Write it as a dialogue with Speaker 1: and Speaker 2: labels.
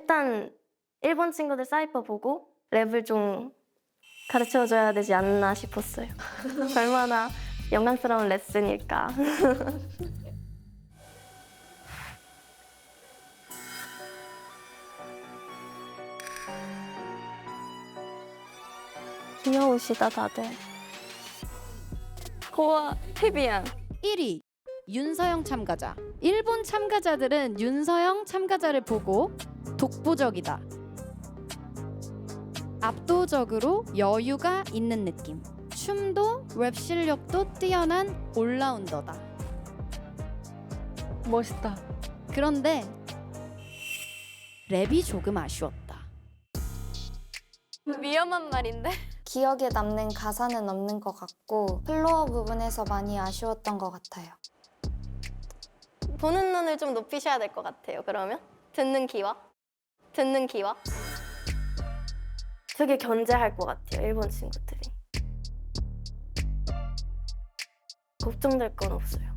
Speaker 1: 일단 일본 친구들 사이퍼 보고 랩을 좀 가르쳐줘야 되지 않나 싶었어요. 얼마나 영광스러운 레슨일까. 귀여우시다 다들. 고와 태비양.
Speaker 2: 1위 윤서영 참가자. 일본 참가자들은 윤서영 참가자를 보고 독보적이다. 압도적으로 여유가 있는 느낌. 춤도 랩 실력도 뛰어난 올라운더다.
Speaker 3: 멋있다.
Speaker 2: 그런데 랩이 조금 아쉬웠다.
Speaker 1: 위험한 말인데?
Speaker 4: 기억에 남는 가사는 없는 것 같고 플로어 부분에서 많이 아쉬웠던 것 같아요.
Speaker 1: 보는 눈을 좀 높이셔야 될 것 같아요. 그러면 듣는 귀와 되게 견제할 것 같아요. 일본 친구들이. 걱정될 건 없어요.